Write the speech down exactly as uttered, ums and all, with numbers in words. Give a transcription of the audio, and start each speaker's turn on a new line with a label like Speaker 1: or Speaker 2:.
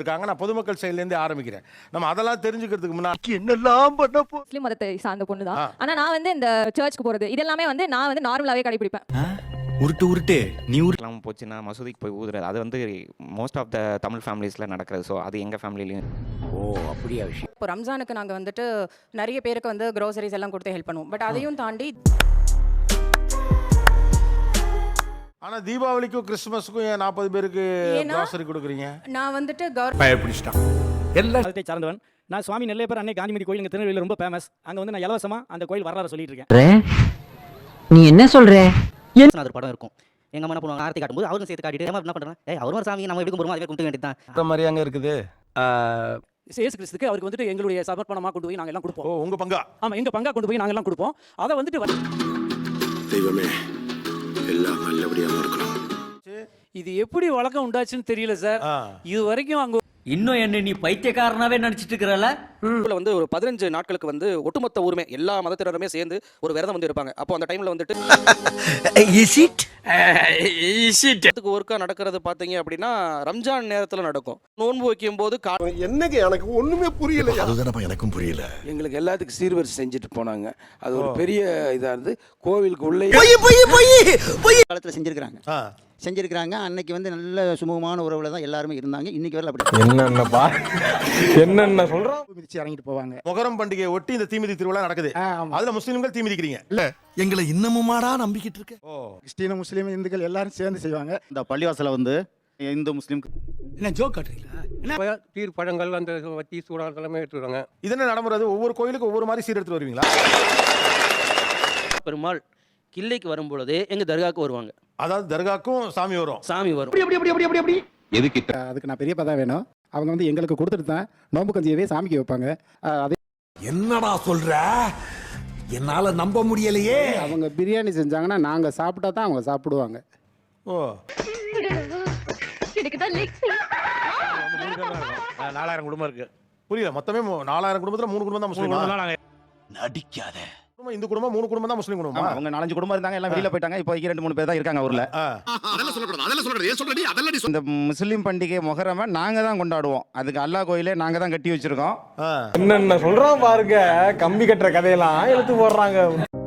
Speaker 1: இருக்காங்க. நான் பொதுமக்கள் சைட்லேருந்தே ஆரம்பிக்கிறேன். நம்ம அதெல்லாம் தெரிஞ்சுக்கிறதுக்கு முன்னாடி என்னெல்லாம் பண்ண போ
Speaker 2: முஸ்லிம் மதத்தை சார்ந்த பொண்ணு தான். ஆனா நான் வந்து இந்த சர்ச்சுக்கு போறது இதெல்லாமே வந்து நான் வந்து நார்மலாவே கடைபிடிப்பேன்.
Speaker 3: உருட்டு உருட்டு நீ
Speaker 4: உருட்டுலாம் போச்சுன்னா மசூதிக்கு போய் ஊதுறது அது வந்து மோஸ்ட் ஆஃப் த தமிழ் ஃபேமிலிஸில் நடக்கிறது. ஸோ அது எங்கள் ஃபேமிலிலையும்.
Speaker 3: ஓ அப்படியா விஷயம்.
Speaker 5: இப்போ ரம்ஜானுக்கு நாங்கள் வந்துட்டு நிறைய பேருக்கு வந்து க்ரோசரிஸ் எல்லாம் கொடுத்து ஹெல்ப் பண்ணுவோம். பட் அதையும் தாண்டி
Speaker 1: ஆனா தீபாவளிக்கும் கிறிஸ்துமஸுக்கும் ஏன் நாற்பது பேருக்கு க்ரோசரி கொடுக்குறீங்க?
Speaker 5: நான் வந்துட்டு கவர்
Speaker 1: பயப்பிடிச்சிட்டான்.
Speaker 6: எல்லா மதத்தை சார்ந்தவன் நான். சுவாமி நெல்லையப்பர் அன்னை காந்திமதி கோயில் எங்கள் திருநெல்வேலியில் ரொம்ப ஃபேமஸ். அங்கே வந்து நான் இலவசமாக அந்த கோயில் வரலாறு சொல்லிட்டு இருக்கேன்.
Speaker 7: நீ என்ன சொல்ற?
Speaker 8: அது படம் இருக்கும். எங்க அம்மா என்ன பண்ணுவாங்க, ஆரத்தி காட்டும்போது அவரும் சேர்த்து காட்டிட்டு என்ன பண்றாங்க, ஏய் அவரும் ஒரு சாமி நம்ம எப்படி கும்பிடுறோமோ அதே கும்பிட வேண்டியதுதான்.
Speaker 1: அந்த மாதிரி அங்க இருக்குது.
Speaker 6: இயேசு கிறிஸ்துக்கு அவருக்கு வந்துட்டு எங்களுடைய சமர்ப்பணமாக கொண்டு போய் நாங்கள் எல்லாம் கொடுப்போம்.
Speaker 1: ஓ உங்க பங்கா?
Speaker 6: ஆமாம், எங்கள் பங்கா கொண்டு போய் நாங்கள் எல்லாம் கொடுப்போம். அதை வந்துட்டு
Speaker 9: தெய்வமே எல்லாம் நல்லபடியாக இருக்கணும்.
Speaker 6: இது எப்படி வழக்கம் உண்டாச்சுன்னு தெரியல சார். இது வரைக்கும் அங்கே
Speaker 7: இன்னும் என்ன நீ பைத்தியக்காரனாவே நினைச்சிட்டு இருக்கிறல?
Speaker 8: வந்து ஒரு பதினஞ்சு நாட்களுக்கு வந்து ஒட்டுமொத்த ஊருமே எல்லா மதத்தினருமே சேர்ந்து ஒரு விரதம் வந்து இருப்பாங்க. அப்போ அந்த டைம்ல வந்துட்டு ஒர்க்கா நடக்கிறது பாத்தீங்க அப்படின்னா ரம்ஜான் நேரத்துல நடக்கும். நோன்பு வைக்கும் போது
Speaker 9: என்னங்க எனக்கு ஒண்ணுமே புரியல. அதுதான் எனக்கும் புரியல.
Speaker 10: எங்களுக்கு எல்லாத்துக்கும் சீர்வரிசை செஞ்சுட்டு போனாங்க. அது ஒரு பெரிய இதா இருந்து கோவிலுக்கு உள்ளே
Speaker 8: காலத்துல செஞ்சிருக்காங்க செஞ்சிருக்காங்க அன்னைக்கு வந்து நல்ல சுமூகமான உறவுல தான் எல்லாருமே இருந்தாங்க. இன்னைக்கு வரல அப்படி
Speaker 1: என்னென்ன என்னென்ன சொல்றோம்.
Speaker 6: மிதிச்சு இறங்கிட்டு போவாங்க.
Speaker 1: முகரம் பண்டிகையை ஒட்டி இந்த தீமிதி திருவிழா நடக்குது. அதுல முஸ்லிம்கள் தீமிதிக்கிறீங்க இல்ல?
Speaker 9: எங்களை இன்னமுமாடா நம்பிக்கிட்டு இருக்க.
Speaker 1: ஓ
Speaker 6: கிறிஸ்டின முஸ்லீம் இந்துக்கள் எல்லாரும் சேர்ந்து செய்வாங்க.
Speaker 8: இந்த பள்ளிவாசல வந்து இந்து முஸ்லீம்
Speaker 6: என்ன ஜோக் காட்டுறீங்களா? என்ன
Speaker 10: தீர் பழங்கள் அந்த வத்தி சூடான தலைமை எடுத்துருவாங்க.
Speaker 1: இது என்ன நடைமுறை? ஒவ்வொரு கோயிலுக்கு ஒவ்வொரு மாதிரி சீர் எடுத்து வருவீங்களா?
Speaker 8: பெருமாள் கிள்ளைக்கு வரும்பொழுது எங்க தர்காவுக்கு வருவாங்க.
Speaker 1: அதாவது தர்காக்கும் சாமி வரும்.
Speaker 8: சாமி வரும்.
Speaker 6: அதுக்கு நான் பெரிய பதா வேணும். அவங்க வந்து எங்களுக்கு கொடுத்துட்டு தான் நோம்பு கஞ்சியவே சாமிக்கு வைப்பாங்க. அதே
Speaker 9: என்னடா சொல்ற? என்னால நம்ப முடியலையே.
Speaker 6: அவங்க பிரியாணி செஞ்சாங்கன்னா நாங்கள் சாப்பிட்டா தான் அவங்க சாப்பிடுவாங்க.
Speaker 1: ஓ நாலாயிரம் குடும்பம் இருக்கு. புரியல. மொத்தமே நாலாயிரம் குடும்பத்துல மூணு குடும்பம் தான் முஸ்லீம்.
Speaker 9: நடிக்காத.
Speaker 1: இந்த குடும்பம் மூணு குடும்பம் தான் முஸ்லீம் குடும்பம்.
Speaker 8: அவங்க நாலஞ்சு குடும்பம் இருந்தாங்க, எல்லாம் வெளியில போயிட்டாங்க. இப்போ ரெண்டு மூணு பேர் தான் இருக்காங்க ஊர்ல.
Speaker 9: அதெல்லாம் சொல்லக்கூடாது. அதெல்லாம் சொல்றது. ஏன் சொல்றடி? அதெல்லாம் நீ
Speaker 8: இந்த முஸ்லீம் பண்டிகை முஹர்ரம நாங்க தான் கொண்டாடுவோம். அதுக்கு அல்லாஹ் கோயிலே நாங்க தான் கட்டி வச்சிருக்கோம்.
Speaker 1: என்னென்ன சொல்றோம் பாருங்க. கம்பி கட்டுற கதையெல்லாம் எடுத்து போடுறாங்க.